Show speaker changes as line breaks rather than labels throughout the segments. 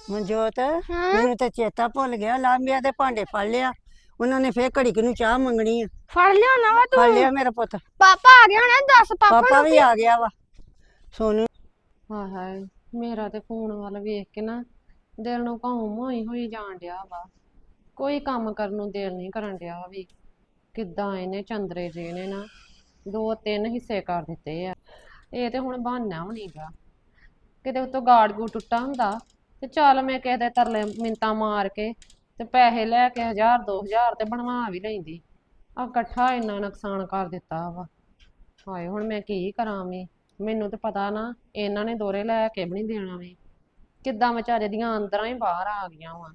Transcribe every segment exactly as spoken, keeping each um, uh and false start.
ਮਨਜੋਤ,
ਹਾਂ
ਮੈਨੂੰ ਤਾਂ ਚੇਤਾ ਭੁੱਲ ਗਿਆ। ਲਾਂਬਿਆਂ ਦੇ ਭਾਂਡੇ ਫੜ ਲਿਆ ਉਹਨਾਂ ਨੇ, ਫੇਰ ਘੜੀ ਕੁ ਨੂੰ ਚਾਹ ਮੰਗਣੀ ਆ।
ਫੜ ਲਿਆ ਨਾ ਵਾ
ਫੜ
ਤੂੰ।
ਲਿਆ ਮੇਰਾ ਪੁੱਤ।
ਪਾਪਾ ਆ ਗਿਆ ਹੋਣਾ, ਦੱਸ ਪਾਪਾ
ਪਾਪਾ
ਨੂੰ
ਵੀ
ਕਿ
ਆ ਗਿਆ ਵਾ। ਸੋਨੂੰ
ਹਾਏ ਹਾਏ, ਮੇਰਾ ਤੇ ਫੋਨ ਵੱਲ ਵੇਖ ਕੇ ਨਾ ਦਿਲ ਨੂੰ ਘਾਉ ਹੋਈ ਹੋਈ ਜਾਣ ਡਿਆ ਵਾ। ਕੋਈ ਕੰਮ ਕਰਨ ਨੂੰ ਦਿਲ ਨਹੀਂ ਕਰਨ ਡਿਆ ਵੀ। ਕਿੱਦਾਂ ਇਹਨੇ ਚੰਦਰੇ ਜੇ ਨੇ ਨਾ ਦੋ ਤਿੰਨ ਹਿੱਸੇ ਕਰ ਦਿੱਤੇ ਆ। ਇਹ ਤੇ ਹੁਣ ਬਹਾਨਾ ਵੀ ਨੀਗਾ। ਕਿਤੇ ਉੱਤੋਂ ਗਾੜ ਗੂ ਟੁੱਟਾ ਹੁੰਦਾ ਤੇ ਚੱਲ ਮੈਂ ਕਿਸੇ ਦੇ ਤਰਲੇ ਮਿੰਤਾਂ ਮਾਰ ਕੇ ਤੇ ਪੈਸੇ ਲੈ ਕੇ ਹਜ਼ਾਰ ਦੋ ਹਜ਼ਾਰ ਤੇ ਬਣਵਾ ਵੀ ਲੈਂਦੀ। ਆ ਇਕੱਠਾ ਇੰਨਾ ਨੁਕਸਾਨ ਕਰ ਦਿੱਤਾ ਵਾ। ਹਾਏ ਹੁਣ ਮੈਂ ਕੀ ਕਰਾਂ ਵੀ। ਮੈਨੂੰ ਤੇ ਪਤਾ ਨਾ ਇਹਨਾਂ ਨੇ ਦੋਰੇ ਲੈ ਕੇ ਵੀ ਨਹੀਂ ਦੇਣਾ ਵੀ। ਕਿੱਦਾਂ ਵਿਚਾਰੇ ਦੀਆਂ ਅੰਦਰਾਂ ਹੀ ਬਾਹਰ ਆ ਗਈਆਂ ਵਾ।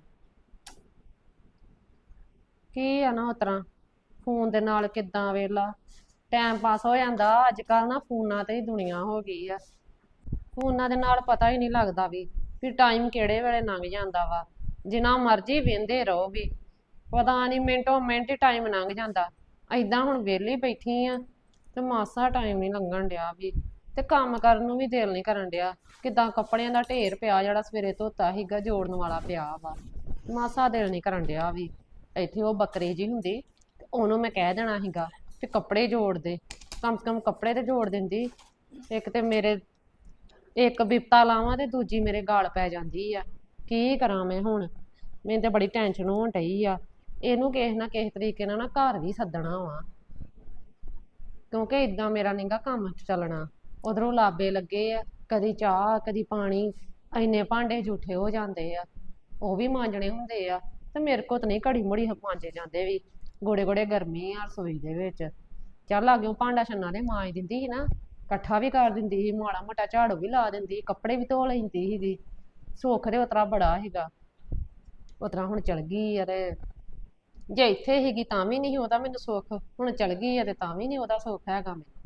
ਕੀ ਆ ਨਾ ਉਸ ਤਰ੍ਹਾਂ ਫੋਨ ਦੇ ਨਾਲ ਕਿੱਦਾਂ ਵੇਲਾ ਟਾਈਮ ਪਾਸ ਹੋ ਜਾਂਦਾ। ਅੱਜ ਕੱਲ ਨਾ ਫੋਨਾਂ ਤੇ ਹੀ ਦੁਨੀਆ ਹੋ ਗਈ ਆ। ਫੋਨਾਂ ਦੇ ਨਾਲ ਪਤਾ ਹੀ ਨਹੀਂ ਲੱਗਦਾ ਵੀ ਵੀ ਟਾਈਮ ਕਿਹੜੇ ਵੇਲੇ ਲੰਘ ਜਾਂਦਾ ਵਾ। ਜਿੰਨਾ ਮਰਜ਼ੀ ਵਹਿੰਦੇ ਰਹੋ ਵੀ ਪਤਾ ਨਹੀਂ ਮਿੰਟੋ ਮਿੰਟ ਹੀ ਟਾਈਮ ਲੰਘ ਜਾਂਦਾ। ਏਦਾਂ ਹੁਣ ਵਿਹਲੀ ਬੈਠੀ ਆ ਤੇ ਮਾਸਾ ਟਾਈਮ ਨਹੀਂ ਲੰਘਣ ਡਿਆ ਵੀ। ਤੇ ਕੰਮ ਕਰਨ ਨੂੰ ਵੀ ਦਿਲ ਨਹੀਂ ਕਰਨ ਡਿਆ। ਕਿੱਦਾਂ ਕੱਪੜਿਆਂ ਦਾ ਢੇਰ ਪਿਆ ਜਿਹੜਾ ਸਵੇਰੇ ਧੋਤਾ ਸੀਗਾ ਜੋੜਨ ਵਾਲਾ ਪਿਆ ਵਾ। ਮਾਸਾ ਦਿਲ ਨਹੀਂ ਕਰਨ ਡਿਆ ਵੀ। ਇੱਥੇ ਉਹ ਬੱਕਰੀ ਜੀ ਹੁੰਦੀ ਤੇ ਉਹਨੂੰ ਮੈਂ ਕਹਿ ਦੇਣਾ ਸੀਗਾ ਤੇ ਕੱਪੜੇ ਜੋੜ ਦੇ। ਕਮ ਸੇ ਕਮ ਕੱਪੜੇ ਤੇ ਜੋੜ ਦਿੰਦੀ। ਇੱਕ ਤੇ ਮੇਰੇ ਇੱਕ ਬਿਪਤਾ ਲਾਵਾਂ ਤੇ ਦੂਜੀ ਮੇਰੇ ਗਾਲ ਪੈ ਜਾਂਦੀ ਆ। ਕੀ ਕਰਾਂ ਮੈਂ ਹੁਣ। ਮੈਨੂੰ ਤੇ ਬੜੀ ਟੈਨਸ਼ਨ ਹੋਣ ਡਈ ਆ। ਇਹਨੂੰ ਕਿਸੇ ਨਾ ਕਿਸੇ ਤਰੀਕੇ ਨਾਲ ਨਾ ਘਰ ਵੀ ਸੱਦਣਾ ਵਾ ਕਿਉਂਕਿ ਇਦਾਂ ਮੇਰਾ ਨੀਗਾ ਕੰਮ ਚੱਲਣਾ। ਉਧਰੋਂ ਲਾਬੇ ਲੱਗੇ ਆ, ਕਦੀ ਚਾਹ ਕਦੀ ਪਾਣੀ, ਇੰਨੇ ਭਾਂਡੇ ਝੂਠੇ ਹੋ ਜਾਂਦੇ ਆ। ਉਹ ਵੀ ਮਾਂਜਣੇ ਹੁੰਦੇ ਆ ਤੇ ਮੇਰੇ ਕੋਲ ਤਾਂ ਨਹੀਂ ਘੜੀ ਮੁੜੀ ਮਾਂਜੇ ਜਾਂਦੇ ਵੀ। ਗੋੜੇ ਗੋੜੇ ਗਰਮੀ ਆ ਰਸੋਈ ਦੇ ਵਿੱਚ। ਚੱਲ ਆ ਗਿਓ ਭਾਂਡਾ ਛੰਨਾ ਦੇ ਮਾਂਜ ਦਿੰਦੀ ਸੀ ਨਾ, ਇਕੱਠਾ ਵੀ ਕਰ ਦਿੰਦੀ ਸੀ, ਮਾੜਾ ਮੋਟਾ ਝਾੜੂ ਵੀ ਲਾ ਦਿੰਦੀ, ਕੱਪੜੇ ਵੀ ਧੋ ਲੈਂਦੀ ਸੀਗੀ। ਸੁੱਖ ਦੇ ਉਤਰਾ ਬੜਾ ਸੀਗਾ। ਉਤਰਾ ਹੁਣ ਚਲ ਗਈ ਆ ਤੇ ਜੇ ਇੱਥੇ ਸੀਗੀ ਤਾਂ ਵੀ ਨਹੀਂ ਉਹਦਾ ਮੈਨੂੰ ਸੁੱਖ, ਹੁਣ ਚਲ ਗਈ ਆ ਤੇ ਤਾਂ ਵੀ ਨਹੀਂ ਉਹਦਾ ਸੁੱਖ ਹੈਗਾ ਮੈਨੂੰ।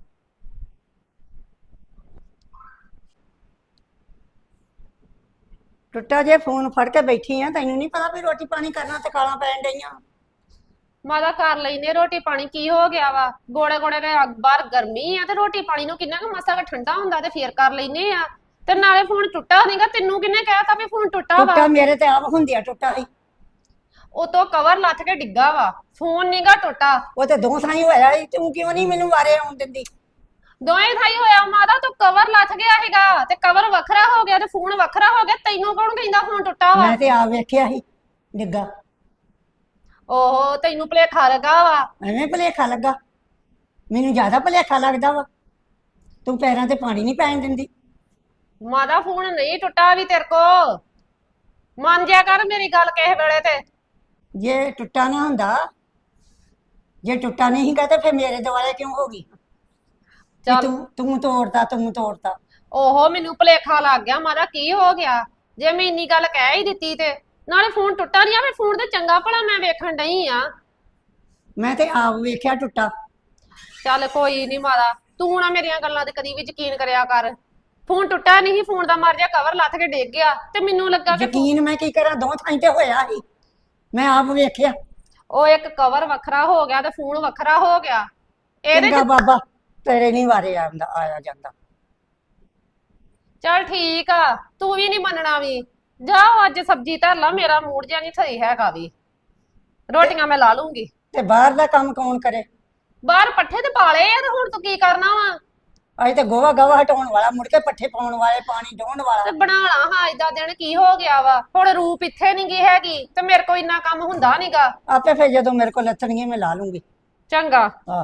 ਟੁੱਟਾ ਜੇ ਫੋਨ ਫੜ ਕੇ ਬੈਠੀ ਆ, ਤੈਨੂੰ ਨਹੀਂ ਪਤਾ ਵੀ ਰੋਟੀ ਪਾਣੀ ਕਰਨਾ ਤੇ ਕਾਲਾਂ ਪੈਣ ਡਈਆਂ।
ਮਾਦਾ ਕਰ ਲੈਨੇ ਰੋਟੀ ਪਾਣੀ। ਕੀ ਹੋ ਗਿਆ ਵਾ। ਗੋੜੇ ਗੋੜੇ ਦੇ ਬਾਹਰ ਗਰਮੀ ਆ ਤੇ ਰੋਟੀ ਪਾਣੀ ਨੂੰ ਕਿੰਨਾ ਕੁ ਮਸਾ ਠੰਡਾ ਹੁੰਦਾ ਤੇ ਫੇਰ ਕਰ ਲੈਨੇ ਆ। ਤੇ ਨਾਲੇ ਫੋਨ ਟੁੱਟਾ ਨਹੀਂਗਾ। ਤੈਨੂੰ ਕਿੰਨੇ ਕਹਿਤਾ ਵੀ ਫੋਨ ਟੁੱਟਾ ਵਾ।
ਟੁੱਟਾ ਮੇਰੇ ਤੇ ਆਪ ਹੁੰਦਿਆ ਟੁੱਟਾ ਸੀ।
ਉਤੋਂ ਕਵਰ ਲੱਥ ਕੇ ਡਿੱਗਾ ਵਾ, ਫੋਨ ਨੀਗਾ ਟੁੱਟਾ।
ਉਹ ਤੇ ਦੋ ਥਾਈ ਹੋਇਆ ਸੀ। ਤੂੰ ਕਿਉਂ ਨਹੀਂ ਮੈਨੂੰ ਵਾਰੇ ਆਉਣ ਦਿੰਦੀ।
ਦੋਵੇਂ ਥਾਈ ਹੋਇਆ ਮਾਦਾ। ਤੂੰ ਕਵਰ ਲੱਥ ਗਿਆ ਹੈਗਾ ਤੇ ਕਵਰ ਵੱਖਰਾ ਹੋ ਗਿਆ ਤੇ ਫੋਨ ਵੱਖਰਾ ਹੋ ਗਿਆ। ਤੈਨੂੰ ਕੌਣ ਕਹਿੰਦਾ ਫੋਨ ਟੁੱਟਾ ਵਾ।
ਮੈਂ ਤੇ ਆਪ ਵੇਖਿਆ ਸੀ ਡਿੱਗਾ।
ਓਹੋ ਤੈਨੂੰ ਭੁਲੇਖਾ ਲੱਗਾ ਵਾ।
ਐਵੇਂ ਭੁਲੇਖਾ ਲੱਗਾ। ਮੈਨੂੰ ਜ਼ਿਆਦਾ ਭੁਲੇਖਾ ਲੱਗਦਾ ਵਾ। ਤੂੰ ਪੈਰਾਂ ਤੇ ਪਾਣੀ ਨਹੀਂ ਪੈਣ ਦਿੰਦੀ।
ਮਾਦਾ ਫੋਨ ਨਹੀਂ ਟੁੱਟਾ ਵੀ ਤੇਰੇ ਕੋ। ਮੰਨ ਜਿਆ ਕਰ ਮੇਰੀ ਗੱਲ ਕਿਸੇ ਵੇਲੇ ਤੇ।
ਜੇ ਟੁੱਟਾ ਨਾ ਹੁੰਦਾ, ਜੇ ਟੁੱਟਾ ਨਹੀਂ ਸੀਗਾ ਤੇ ਫਿਰ ਮੇਰੇ ਦੁਆਲੇ ਕਿਉਂ ਹੋ ਗਈ ਕਿ
ਚੱਲ
ਤੂੰ ਤੂੰ ਤੋੜਦਾ ਤੂੰ ਤੋੜਦਾ।
ਓਹੋ ਮੈਨੂੰ ਭੁਲੇਖਾ ਲੱਗ ਗਿਆ ਮਾਦਾ। ਕੀ ਹੋ ਗਿਆ ਜੇ ਮੈਂ ਇੰਨੀ ਗੱਲ ਕਹਿ ਹੀ ਦਿੱਤੀ ਤੇ। ਨਾਲੇ ਫੋਨ ਟੁੱਟਾ ਨਹੀਂ ਆਵੇ। ਫੋਨ ਤੇ ਚੰਗਾ ਭਲਾ ਮੈਂ ਵੇਖਣ ਡਈ ਆ।
ਮੈਂ ਤੇ ਆਪ ਵੇਖਿਆ ਟੁੱਟਾ।
ਚੱਲ ਕੋਈ ਨਹੀਂ ਮਾਦਾ, ਤੂੰ ਨਾ ਮੇਰੀਆਂ ਗੱਲਾਂ ਤੇ ਕਦੀ ਵੀ ਯਕੀਨ ਕਰਿਆ ਕਰ। ਫੋਨ ਟੁੱਟਾ ਨਹੀਂ, ਫੋਨ ਦਾ ਮਰ ਜਾ ਕਵਰ ਲੱਥ ਕੇ ਡਿੱਗ ਗਿਆ ਤੇ ਮੈਨੂੰ ਲੱਗਾ ਕਿ
ਯਕੀਨ ਮੈਂ ਕੀ ਕਰਾਂ, ਦੋ ਥਾਈਂ ਤੇ ਹੋਇਆ ਸੀ। ਮੈਂ ਆਪ ਵੇਖਿਆ।
ਉਹ ਇੱਕ ਕਵਰ ਵੱਖਰਾ ਹੋ ਗਿਆ ਤੇ ਫੋਨ ਵੱਖਰਾ ਹੋ ਗਿਆ। ਇਹਦੇ
ਚੰਗਾ
ਚ
ਬਾਬਾ, ਤੇਰੇ ਨਹੀਂ ਵਾਰੇ ਆਉਂਦਾ ਆਇਆ ਜਾਂਦਾ।
ਚੱਲ ਠੀਕ ਆ, ਤੂੰ ਵੀ ਨਹੀਂ ਮੰਨਣਾ ਵੀ। ਜਾਓ ਅੱਜ ਸਬਜ਼ੀ ਧਰ ਲਾ, ਮੇਰਾ ਮੂਡ ਜਿਹਾ ਨਹੀਂ ਸਹੀ ਹੈਗਾ ਵੀ। ਰੋਟੀਆਂ ਮੈਂ ਲਾ ਲੂੰਗੀ।
ਤੇ ਬਾਹਰ ਦਾ ਕੰਮ ਕੌਣ ਕਰੇ।
ਬਾਹਰ ਪੱਠੇ ਤੇ ਪਾ ਲਏ ਆ ਤੇ ਹੁਣ ਤੂੰ ਕੀ ਕਰਨਾ ਵਾ।
ਅਜੇ ਤੇ ਗੋਹਾ ਗਾਵਾ ਹਟਾਉਣ ਵਾਲਾ, ਮੁੜ ਕੇ ਪੱਠੇ ਪਾਉਣ ਵਾਲੇ, ਪਾਣੀ ਡੋਣ ਵਾਲਾ।
ਤੇ ਬਣਾ ਲਾ ਹਾਂ। ਏਦਾਂ ਦਿਨ ਕੀ ਹੋ ਗਿਆ ਵਾ। ਹੁਣ ਰੂਪ ਇੱਥੇ ਨੀ ਗੀ ਹੈਗੀ ਤੇ ਮੇਰੇ ਕੋਲ ਇੰਨਾ ਕੰਮ ਹੁੰਦਾ ਨੀਗਾ।
ਆਪੇ ਫਿਰ ਜਦੋਂ ਮੇਰੇ ਕੋਲ ਲੱਥਣਗੇ ਮੈਂ ਲਾ ਲੂੰਗੀ।
ਚੰਗਾ।
ਆਹ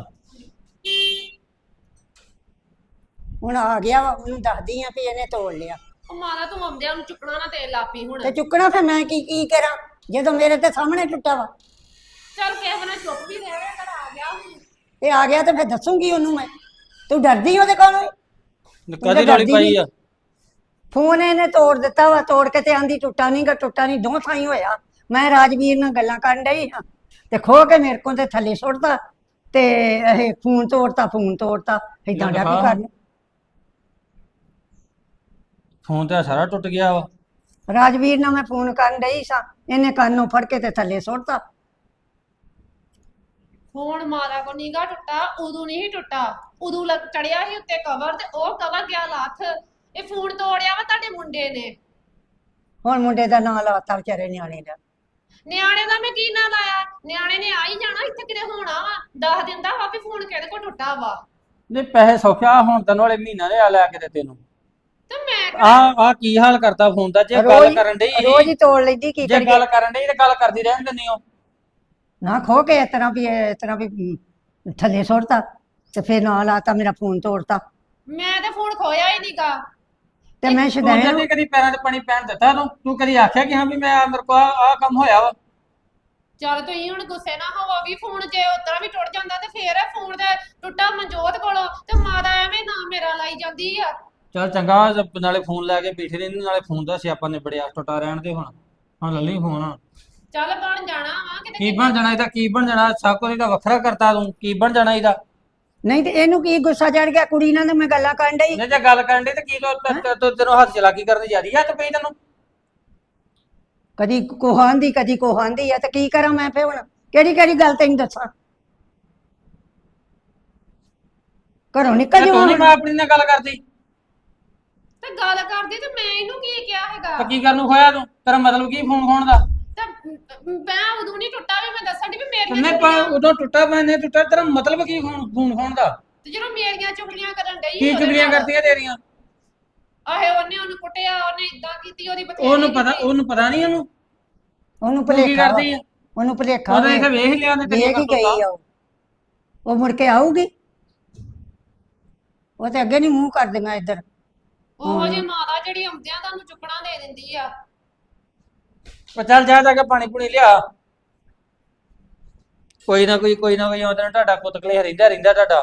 ਹੁਣ ਆ ਗਿਆ ਵਾ, ਉਹਨੂੰ ਦੱਸਦੀ ਆ ਵੀ ਇਹਨੇ ਤੋੜ ਲਿਆ।
ਉਹ ਮਾਰਾ ਤੂੰ ਆਉਂਦਿਆਂ ਨੂੰ ਚੁੱਕਣਾ ਨਾ ਤੇਲ ਲਾਪੀ ਹੁਣ।
ਤੇ ਚੁੱਕਣਾ ਫਿਰ ਮੈਂ ਕੀ ਕੀ ਕਰਾਂ ਜਦੋਂ ਮੇਰੇ ਤੇ ਸਾਹਮਣੇ ਟੁੱਟਾ ਵਾ।
ਚੱਲ ਕਿਸੇ ਬਣਾ ਚੁੱਪ ਵੀ ਰਹਿ ਕਰ ਆ ਗਿਆ ਹੁਣ।
ਇਹ ਆ ਗਿਆ ਤੇ ਫਿਰ ਦੱਸੂਗੀ ਉਹਨੂੰ ਮੈਂ। ਤੂੰ ਡਰਦੀ ਉਹਦੇ ਕੋਲੋਂ।
ਕਾਹਦੀ ਰੌਲੀ ਪਾਈ ਆ।
ਫੋਨ ਇਹਨੇ ਤੋੜ ਦਿੱਤਾ ਵਾ। ਤੋੜ ਕੇ ਤੇ ਆਂਦੀ ਟੁੱਟਾ ਨਹੀਂ ਗਾ, ਟੁੱਟਾ ਨਹੀਂ। ਦੋ ਥਾਈਂ ਹੋਇਆ। ਮੈਂ ਰਾਜਵੀਰ ਨਾਲ ਗੱਲਾਂ ਕਰਨ ਡਈ ਹਾਂ ਤੇ ਖੋ ਕੇ ਮੇਰੇ ਕੋਲ ਤੇ ਥੱਲੇ ਸੁੱਟਦਾ ਤੇ ਇਹ ਫੋਨ ਤੋੜਤਾ ਫੋਨ ਤੋੜਤਾ ਏਦਾਂ ਡਿਆ ਵੀ ਕਰਨ।
ਫੋਨ ਤੇ ਸਾਰਾ ਟੁੱਟ ਗਿਆ ਵਾ।
ਰਾਜਵੀਰ ਨਾਲ ਮੈਂ ਫੋਨ ਕਰਨ ਡਈ ਸਾਂ, ਇਹਨੇ ਕੰਨੋਂ ਫੜ ਕੇ ਤੇ ਥੱਲੇ ਸੁੱਟਤਾ।
ਫੋਨ ਮਾਰਾ ਕੋ ਨੀਗਾ ਟੁੱਟਾ, ਉਦੋਂ ਨਹੀਂ ਟੁੱਟਾ। ਉਦੋਂ ਲੱਗ ਚੜਿਆ ਸੀ ਉੱਤੇ ਕਵਰ ਤੇ ਉਹ ਕਵਰ ਗਿਆ ਲੱਥ। ਇਹ ਫੋਨ ਤੋੜਿਆ ਵਾ ਤੁਹਾਡੇ ਮੁੰਡੇ ਨੇ।
ਹੁਣ ਮੁੰਡੇ ਦਾ ਨਾਂ ਲਾਤਾ ਵਿਚਾਰੇ ਨਿਆਣੇ ਦਾ।
ਨਿਆਣੇ ਦਾ ਮੈਂ ਕੀ ਨਾਂ ਲਾਇਆ? ਨਿਆਣੇ ਨੇ ਆ ਹੀ ਜਾਣਾ, ਇੱਥੇ ਕਿਤੇ ਹੋਣਾ ਵਾ। ਦੱਸ ਦਿੰਦਾ ਵਾ ਵੀ ਫੋਨ ਕਿਹਦੇ ਕੋਲ ਟੁੱਟਾ ਵਾ।
ਨਹੀਂ ਪੈਸੇ ਸੌਖਿਆ ਹੁਣ ਤੈਨੂੰ ਵਾਲੇ ਮਹੀਨਾ ਦੇ ਆ ਲੈ ਕੇ ਦਿੱਤੇ ਤੈਨੂੰ।
ਤੇ ਮੈਂ
ਆ ਆ ਕੀ ਹਾਲ ਕਰਤਾ ਫੋਨ ਦਾ? ਜੇ ਗੱਲ
ਰੋਜ਼-
ਕਰਨ ਡਈ
ਰੋਜ਼ ਹੀ ਤੋੜ ਲੈਂਦੀ, ਕੀ
ਜੇ
ਕਰੀਏ?
ਗੱਲ ਕਰਨ ਡਈ ਤੇ ਗੱਲ ਕਰਦੀ ਰਹਿਣ ਦਿੰਦੀ ਹੋ।
ਨਾ ਖੋ ਕੇ ਇਸ ਤਰ੍ਹਾਂ ਵੀ ਇਸ ਤਰ੍ਹਾਂ ਵੀ ਹਮ, ਥੱਲੇ ਸੁੱਟਤਾ ਤੇ ਫਿਰ ਨਾਂ ਲਾਤਾ, ਮੇਰਾ ਫੋਨ ਤੋੜਤਾ
ਮੈਂ ਤੇ ਫੋਨ ਖੋਇਆ ਹੀ ਨਹੀਂਗਾ।
ਤੇ ਮੈਂ
ਤੂੰ
ਸ਼ਦੈਣ
ਜਦ ਕਦੀ ਪੈਰਾਂ 'ਤੇ ਪਾਣੀ ਪੈਣ ਦਿੱਤਾ ਤੂੰ? ਤੂੰ ਕਦੀ ਆਖਿਆ ਕਿ ਹਾਂ ਵੀ ਮੈਂ ਮੇਰੇ ਕੋਲ ਆ ਕੰਮ ਹੋਇਆ ਵਾ?
ਚੱਲ ਤੁਸੀਂ ਹੁਣ ਗੁੱਸੇ ਨਾ ਹੋਵੋ ਵੀ ਫੋਨ ਜੇ ਉਤਰਾ ਵੀ ਟੁੱਟ ਜਾਂਦਾ ਤੇ ਫੇਰ ਇਹ ਫੋਨ ਤੇ ਟੁੱਟਾ ਮਨਜੋਤ ਕੋਲੋਂ ਤੇ ਮਾਤਾ ਐਵੇਂ ਨਾ ਮੇਰਾ ਲਾਈ ਜਾਂਦੀ ਆ।
ਚੱਲ ਚੰਗਾ, ਨਾਲੇ ਫੋਨ ਲੈ ਕੇ ਬੈਠੇ ਰਹਿੰਦੇ, ਨਾਲੇ ਫੋਨ ਦਾ ਸਿਆਪਾ ਨਿਬੜਿਆ। ਟੁੱਟਾ ਰਹਿਣ ਦੇ ਹੁਣ। ਹੁਣ ਲੱਲੀ ਫੋਨ।
ਚੱਲ ਬਣ ਜਾਣਾ ਵਾ ਕਿਤੇ।
ਕੀ ਬਣ ਜਾਣਾ ਇਹਦਾ? ਕੀ ਬਣ ਜਾਣਾ? ਸਭ ਕੁਝ ਇਹਦਾ ਵੱਖਰਾ ਕਰਤਾ ਤੂੰ। ਕੀ ਬਣ ਜਾਣਾ ਇਹਦਾ?
ਨਹੀਂ ਤੇ ਇਹਨੂੰ ਕੀ ਗੁੱਸਾ ਚੜ ਗਿਆ? ਕੁੜੀ ਨਾਲ ਤਾਂ ਮੈਂ ਗੱਲਾਂ ਕਰਨ ਡਈ।
ਨਹੀਂ ਜੇ ਗੱਲ ਕਰਨ ਦੇ ਤੇ ਕੀ ਤੂੰ ਤੂੰ- ਤੈਨੂੰ ਹੱਥ ਚਲਾਕੀ ਕਰਨ ਦੀ ਜਿਆਦੀ ਹੱਥ ਪਈ ਤੈਨੂੰ?
ਕਦੀ ਕੋਹਾਂਦੀ ਕਦੀ ਕੋਹਾਂਦੀ ਆ ਤੇ ਕੀ ਕਰਾਂ ਮੈਂ ਫੇ ਹੁਣ? ਕਿਹੜੀ ਕਿਹੜੀ ਗੱਲ ਤੈਨੂੰ ਦੱਸਾਂ? ਘਰੋਂ ਨਿਕਲ
ਤੇ ਤੂੰ
ਜਾਵਾਂ
ਨਹੀਂ ਮੈਂ ਆਪਣੀ ਨਾਲ ਗੱਲ ਕਰਦੀ
ਤੇ ਗੱਲ ਕਰਦੀ ਤੇ ਮੈਂ ਇਹਨੂੰ ਕੀ ਕਿਹਾ ਹੈਗਾ?
ਤਾਂ ਕੀ ਕਰਨ ਨੂੰ ਖੋਇਆ ਤੂੰ? ਤੇਰਾ ਮਤਲਬ ਕੀ ਫੋਨ ਖੋਣ ਦਾ?
ਤੇ ਮੈਂ ਉਦੋਂ ਨਹੀਂ ਟੁੱਟਾ ਵੀ ਮੈਂ ਦੱਸਣ ਦੀ ਵੀ ਮੇਰੀਆਂ
ਤੈਨੇ
ਚੁਗਲੀਆਂ-
ਉਦੋਂ ਟੁੱਟਾ ਮੈਨੇ ਟੁੱਟਾ, ਤੇਰਾ ਮਤਲਬ ਕੀ ਫੋਨ ਫੋਨ ਖੋਣ ਦਾ?
ਤੇ ਜਦੋਂ ਮੇਰੀਆਂ ਚੁਗਲੀਆਂ ਕਰਨ ਡਈ
ਕੀ
ਉਹਦੇ
ਚੁਗਲੀਆਂ
ਨਾਲ।
ਕਰਦੀਆਂ ਤੇਰੀਆਂ?
ਆਹੇ ਉਹਨੇ ਉਹਨੂੰ ਕੁੱਟਿਆ, ਉਹਨੇ ਇਦਾਂ ਕੀਤੀ, ਉਹਦੀ ਬਥੇਰੀ
ਉਹਨੂੰ ਪਤਾ
ਕੀਤੀ।
ਉਹਨੂੰ ਪਤਾ ਨਹੀਂ ਉਹਨੂੰ
ਉਹਨੂੰ
ਤੂੰ ਕੀ
ਭੁਲੇਖਾ ਵਾ।
ਕਰਦੀ ਆ?
ਉਹਨੂੰ ਭੁਲੇਖਾ
ਉਹਨੇ
ਵਾ।
ਇੱਥੇ ਵੇਖ ਲਿਆ ਨੇ
ਵੇਖ ਹੀ ਗਈ ਆ ਉਹ। ਉਹ ਮੁੜ ਕੇ ਆਊਗੀ? ਉਹ ਤੇ ਅੱਗੇ ਨਹੀਂ ਮੂੰਹ ਕਰਦੀਆਂ ਇੱਧਰ।
ਉਹੋ ਜਿਹੀ ਮਾਤਾ ਜਿਹੜੀ ਆਉਂਦਿਆਂ ਤੁਹਾਨੂੰ ਚੁੱਕਣਾ ਦੇ ਦਿੰਦੀ ਆ।
ਉਹ ਚੱਲ ਜਾ ਜਾ ਕੇ ਪਾਣੀ ਪੂਣੀ ਲਿਆ। ਕੋਈ ਨਾ ਕੋਈ ਕੋਈ ਨਾ ਕੋਈ ਉਹਦੇ ਨਾਲ ਤੁਹਾਡਾ ਕੁੱਤਕਲੇ ਰਹਿੰਦਾ ਰਹਿੰਦਾ ਤੁਹਾਡਾ।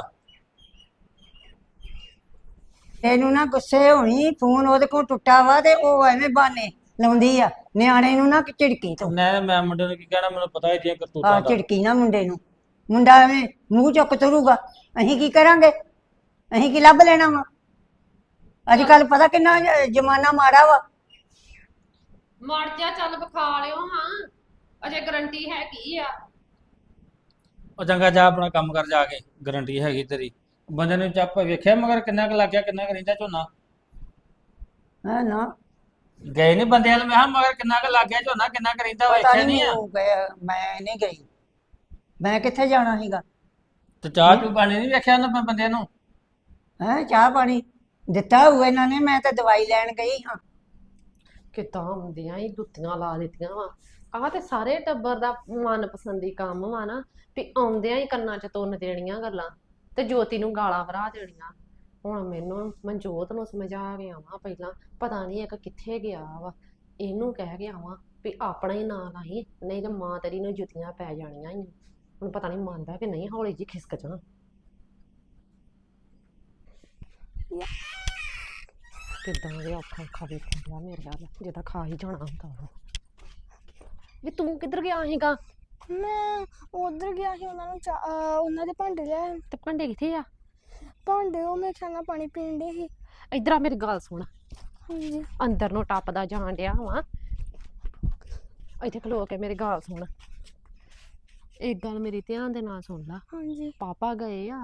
ਇਹਨੂੰ ਨਾ ਗੁੱਸੇ ਹੋਣੀ, ਫੋਨ ਉਹਦੇ ਕੋਲ ਟੁੱਟਾ ਵਾ ਤੇ ਉਹ ਐਵੇਂ ਬਾਨੇ ਲਾਉਂਦੀ ਆ ਨਿਆਣੇ ਨੂੰ ਨਾ ਝਿੜਕੀ ਤੋਂ।
ਮੈਂ ਮੈਂ ਮੁੰਡੇ ਨੂੰ ਕੀ ਕਹਿਣਾ, ਮੈਨੂੰ ਪਤਾ ਇਹਦੀਆਂ
ਆ
ਕਰਤੂਤਾਂ ਦਾ।
ਝਿੜਕੀ ਨਾ ਮੁੰਡੇ ਨੂੰ। ਮੁੰਡਾ ਐਵੇਂ ਮੂੰਹ ਚੁੱਕ ਤੁਰੂਗਾ, ਅਸੀਂ ਕੀ ਕਰਾਂਗੇ? ਅਸੀਂ ਕੀ ਲੱਭ ਲੈਣਾ ਵਾ? ਅੱਜ ਕੱਲ ਪਤਾ ਕਿੰਨਾ ਜ- ਜ਼ਮਾਨਾ ਮਾੜਾ ਵਾ।
ਮਰ ਜਾ, ਚੱਲ ਵਿਖਾ ਲਿਓ ਹਾਂ, ਅਜੇ ਗਰੰਟੀ ਹੈਗੀ ਆ।
ਉਹ ਚੰਗਾ ਜਾ ਆਪਣਾ ਕੰਮ ਕਰ ਜਾ ਕੇ, ਗਾਰੰਟੀ ਹੈਗੀ ਤੇਰੀ। ਬੰਦੇ ਨੂੰ ਚੱਪ ਵੇਖਿਆ ਮਗਰ ਕਿੰਨਾ ਕੁ ਲੱਗ ਗਿਆ, ਕਿੰਨਾ ਕੁ ਰਹਿੰਦਾ ਝੋਨਾ?
ਹੈ ਨਾ,
ਗਏ ਨਹੀਂ ਬੰਦੇ ਵਾਲ? ਮੈਂ ਕਿਹਾ ਮਗਰ ਕਿੰਨਾ ਕੁ ਲੱਗ ਗਿਆ ਝੋਨਾ, ਕਿੰਨਾ ਕੁ ਰਹਿੰਦਾ?
ਪਤਾ
ਵੇਖਿਆ
ਨਹੀਂ
ਨਹੀਂ ਆ?
ਉਹ ਗਿਆ, ਮੈਂ ਨਹੀਂ ਗਈ। ਮੈਂ ਕਿੱਥੇ ਜਾਣਾ ਸੀਗਾ?
ਤੇ ਚਾਹ ਚੂ ਪਾਣੀ ਨਹੀਂ ਵੇਖਿਆ ਉਹਨਾਂ ਬੰਦਿਆਂ ਨੂੰ?
ਹੈ ਚਾਹ ਪਾਣੀ ਦਿੱਤਾ ਹੋਊ ਇਹਨਾਂ ਨੇ, ਮੈਂ ਤਾਂ ਦਵਾਈ ਲੈਣ ਗਈ ਹਾਂ।
ਕਿੱਦਾਂ ਹੁੰਦੀਆਂ ਹੀ ਦੁੱਤੀਆਂ ਲਾ ਦਿੱਤੀਆਂ ਵਾ। ਆਹ ਤੇ ਸਾਰੇ ਟੱਬਰ ਦਾ ਮਨਪਸੰਦੀ ਕੰਮ ਵਾ ਨਾ, ਵੀ ਆਉਂਦਿਆਂ ਹੀ ਕੰਨਾਂ 'ਚ ਤੁੰਨ ਦੇਣੀਆਂ ਗੱਲਾਂ ਤੇ ਜੋਤੀ ਨੂੰ ਗਾਲਾਂ ਭਰਾ ਦੇਣੀਆਂ। ਹੁਣ ਮੈਨੂੰ ਮਨਜੋਤ ਨੂੰ ਸਮਝਾ ਕੇ ਆਵਾਂ ਪਹਿਲਾਂ, ਪਤਾ ਨਹੀਂ ਇੱਕ ਕਿੱਥੇ ਗਿਆ ਵਾ। ਇਹਨੂੰ ਕਹਿ ਕੇ ਆਵਾਂ ਵੀ ਆਪਣਾ ਹੀ ਨਾਂ ਲਾਈ, ਨਹੀਂ ਤੇ ਮਾਂ ਤੇਰੀ ਨੂੰ ਜੁੱਤੀਆਂ ਪੈ ਜਾਣੀਆਂ ਹੀ। ਹੁਣ ਪਤਾ ਨਹੀਂ ਮੰਨਦਾ ਕਿ ਨਹੀਂ, ਹੌਲੀ ਜੀ ਖਿਸਕ ਜਾਣਾ। ਕਿੱਦਾਂ ਦੇ ਔਖਾ ਔਖਾ ਵੇਖਿਆ ਮੇਰੇ ਨਾਲ, ਜਿੱਦਾਂ ਖਾ ਹੀ ਜਾਣਾ ਹੁੰਦਾ ਵਾ। ਵੀ ਤੂੰ ਕਿੱਧਰ ਗਿਆ ਸੀਗਾ?
ਮੈਂ ਉਧਰ ਗਿਆ ਸੀ, ਉਹਨਾਂ ਨੂੰ ਚਾਹ- ਅਹ ਉਹਨਾਂ ਦੇ ਭਾਂਡੇ ਲੈ।
ਤੇ ਭਾਂਡੇ ਕਿੱਥੇ ਆ?
ਭਾਂਡੇ ਉਹ ਮੇਰੇ ਖਿਆਲ ਨਾਲ ਪਾਣੀ ਪੀਣ ਦੇ ਸੀ।
ਇੱਧਰ ਆ ਮੇਰੀ ਗੱਲ ਸੁਣ।
ਹਾਂਜੀ
ਅੰਦਰ ਨੂੰ ਟੱਪਦਾ ਜਾਣ ਡਿਆ ਵਾ, ਇੱਥੇ ਖਲੋ ਕੇ ਮੇਰੀ ਗੱਲ ਸੁਣ। ਇੱਕ ਗੱਲ ਮੇਰੀ ਧਿਆਨ ਦੇ ਨਾਲ ਸੁਣ ਲਾ।
ਹਾਂਜੀ
ਪਾਪਾ ਗਏ ਆ।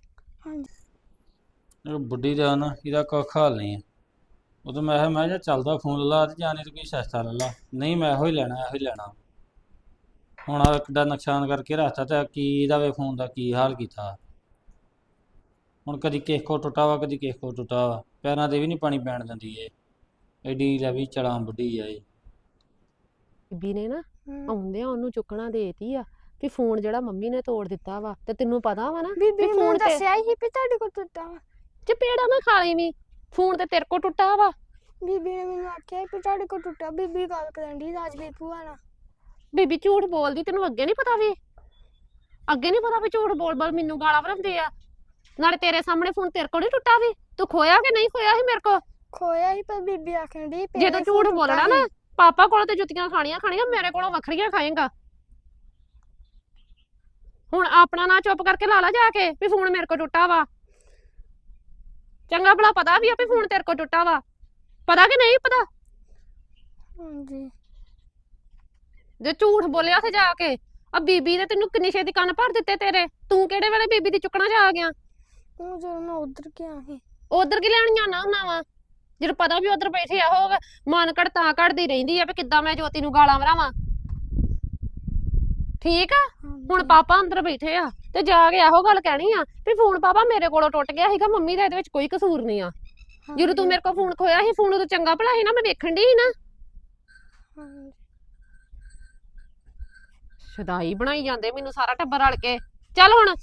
ਹਾਂਜੀ
ਇਹ ਬੁੱਢੀ ਦਾ ਨਾ ਇਹਦਾ ਕੋਈ ਹਾਲ ਨਹੀਂ ਹੈ। ਉਦੋਂ ਮੈਂ ਕਿਹਾ ਮੈਂ ਕਿਹਾ ਚੱਲਦਾ ਫੋਨ ਲਾ ਤੇ ਜਾਣੇ ਤੇ ਕੋਈ ਸਸਤਾ ਲੈ ਲਾ। ਨਹੀਂ ਮੈਂ ਇਹੋ ਹੀ ਲੈਣਾ, ਇਹੋ ਹੀ ਲੈਣਾ। ਹੁਣ ਆ ਕਿੱਡਾ ਨੁਕਸਾਨ ਕਰਕੇ ਰੱਖਤਾ ਤੇ ਕੀ ਇਹਦਾ ਵੇ ਫੋਨ ਦਾ ਕੀ ਹਾਲ ਕੀਤਾ। ਹੁਣ ਕਦੀ ਕਿਸੇ ਕੋ ਟੁੱਟਾ ਵਾ, ਕਦੀ ਕਿਸੇ ਕੋ ਟੁੱਟਾ ਵਾ। ਪੈਰਾਂ ਤੇ ਵੀ ਨਹੀਂ ਪਾਣੀ ਪੈਣ ਦਿੰਦੀ ਏ। ਐਡੀ ਲੈ ਵੀ ਚਲਾਂ ਬੁੱਢੀ ਆ ਇਹ।
ਬੀਬੀ ਨੇ ਨਾ
ਹਮ।
ਆਉਂਦਿਆਂ ਉਹਨੂੰ ਚੁੱਕਣਾ ਦੇਤੀ ਆ ਵੀ ਫੋਨ ਜਿਹੜਾ ਮੰਮੀ ਨੇ ਤੋੜ ਦਿੱਤਾ ਵਾ। ਤੇ ਤੈਨੂੰ ਪਤਾ ਵਾ ਨਾ
ਬੀਬੀ ਨੇ
ਫੋਨ
ਮੈਨੂੰ
ਤੇ
ਦੱਸਿਆ ਹੀ ਵੀ ਤੁਹਾਡੇ ਕੋਲ ਟੁੱਟਾ ਵਾ।
ਚਪੇੜਾ ਨਾ ਖਾ ਲਈ ਵੀ, ਫੋਨ ਤੇ ਤੇਰੇ ਕੋ ਟੁੱਟਾ ਵਾ।
ਬੀਬੀ ਨੇ ਮੈਨੂੰ ਆਖਿਆ ਵੀ ਤੁਹਾਡੇ ਕੋਲ ਟੁੱਟਾ। ਬੀਬੀ ਗੱਲ ਕਰਨ ਦੀ ਰਾਜਵੀਰ ਭੂਆ ਨਾਲ।
ਬੀਬੀ ਝੂਠ ਬੋਲਦੀ, ਤੈਨੂੰ ਅੱਗੇ ਨਹੀਂ ਪਤਾ ਵੀ? ਅੱਗੇ ਨਹੀਂ ਪਤਾ ਵੀ ਝੂਠ ਬੋਲ ਬੋਲ ਮੈਨੂੰ ਗਾਲਾਂ ਭਰਦੇ ਆ। ਨਾਲੇ ਤੇਰੇ ਸਾਹਮਣੇ ਫੋਨ ਤੇਰੇ ਕੋਲ ਨਹੀਂ ਟੁੱਟਾ ਵੀ। ਤੂੰ ਖੋਇਆ ਕਿ ਨਹੀਂ ਖੋਇਆ ਸੀ ਮੇਰੇ ਕੋ?
ਖੋਇਆ ਹੀ, ਪਰ ਬੀਬੀ ਆਖਣ ਦੀ
ਜੇ ਤੂੰ ਝੂਠ ਬੋਲਣਾ ਨਾ, ਪਾਪਾ ਕੋਲੋਂ ਤੇ ਜੁੱਤੀਆਂ ਖਾਣੀਆਂ ਖਾਣੀਆਂ, ਮੇਰੇ ਕੋਲੋਂ ਵੱਖਰੀਆਂ ਖਾਏਗਾ। ਹੁਣ ਆਪਣਾ ਨਾ ਚੁੱਪ ਕਰਕੇ ਲਾ ਲਾ ਜਾ ਕੇ ਵੀ ਫੋਨ ਮੇਰੇ ਕੋ ਟੁੱਟਾ ਵਾ। ਚੰਗਾ ਭਲਾ ਪਤਾ ਵੀ ਆ ਵੀ ਫੋਨ ਤੇਰੇ ਕੋ ਟੁੱਟਾ ਵਾ। ਪਤਾ ਕਿ ਨਹੀਂ ਪਤਾ?
ਹਾਂਜੀ
ਜੇ ਝੂਠ ਬੋਲਿਆ ਉੱਥੇ ਜਾ ਕੇ, ਆ ਬੀਬੀ ਨੇ ਤੈਨੂੰ ਕਿੰਨੀ ਛੇਤੀ ਕੰਨ ਭਰ ਦਿੱਤੇ ਤੇਰੇ। ਤੂੰ ਕਿਹੜੇ ਵੇਲੇ ਬੀਬੀ ਦੀ ਚੁੱਕਣਾ ਜਾ ਆ ਗਿਆ?
ਉਹ ਜਦੋਂ ਮੈਂ ਉਧਰ ਗਿਆ ਸੀ।
ਉਧਰ ਕੀ ਲੈਣੀਆਂ ਨਾ ਉਹਨਾਂ ਵਾ? ਜਦੋਂ ਪਤਾ ਵੀ ਉਧਰ ਬੈਠੇ ਆ ਉਹ ਮਨ ਘੜ ਤਾਂ ਘੜਦੀ ਰਹਿੰਦੀ ਆ ਵੀ ਕਿੱਦਾਂ ਮੈਂ ਜੋਤੀ ਨੂੰ ਗਾਲਾਂ ਵਰਾਵਾਂ। ਠੀਕ ਆ ਹੁਣ ਪਾਪਾ ਅੰਦਰ ਬੈਠੇ ਆ ਤੇ ਜਾ ਕੇ ਇਹੋ ਗੱਲ ਕਹਿਣੀ ਆ ਵੀ ਫੋਨ ਪਾਪਾ ਮੇਰੇ ਕੋਲੋਂ ਟੁੱਟ ਗਿਆ ਸੀਗਾ, ਮੰਮੀ ਦਾ ਇਹਦੇ ਵਿੱਚ ਕੋਈ ਕਸੂਰ ਨਹੀਂ ਆ। ਜਦੋਂ ਤੂੰ ਮੇਰੇ ਕੋਲ ਫੋਨ ਖੋਇਆ ਸੀ, ਫੋਨ ਉਦੋਂ ਚੰਗਾ ਭਲਾ ਸੀ ਨਾ, ਮੈਂ ਵੇਖਣ ਡਈ ਸੀ ਨਾ। ਸ਼ਦਾਈ ਬਣਾਈ ਜਾਂਦੇ ਮੈਨੂੰ ਸਾਰਾ ਟੱਬਰ ਰਲ ਕੇ। ਚੱਲ ਹੁਣ